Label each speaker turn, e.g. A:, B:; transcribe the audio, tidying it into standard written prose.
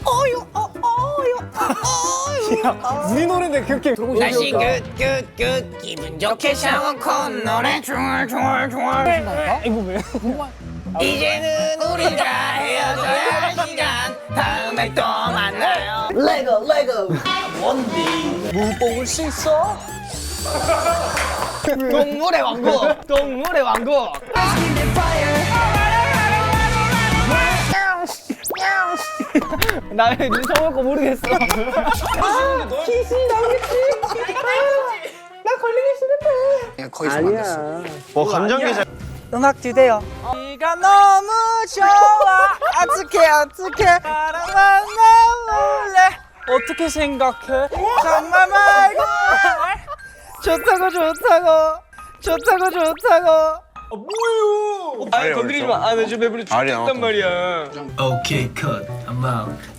A: 우리 노래인데 그렇게
B: 날씨 끝 기분 좋게 샤워 콧노래 중얼
A: 이거 왜?
B: 이제는 우리가 헤어져야 할 시간 다음에 또 만나요
A: 물 뽑을 수 있어?
B: 동물의 왕국 동물의 왕국
A: 나 왜 눈썹을 거 모르겠어.
B: 거의 아니야
C: 뭐 감정계좌.
A: 음악 주세요. 네가 너무 좋아. 어떡해 사랑만 해볼래. 어떻게 생각해? 정말 말고 좋다고.
C: 아니 건드리지 마. 아 나 지금 배부르
D: 알이
C: 죽겠단 말이야.
E: Okay, cut. I'm out.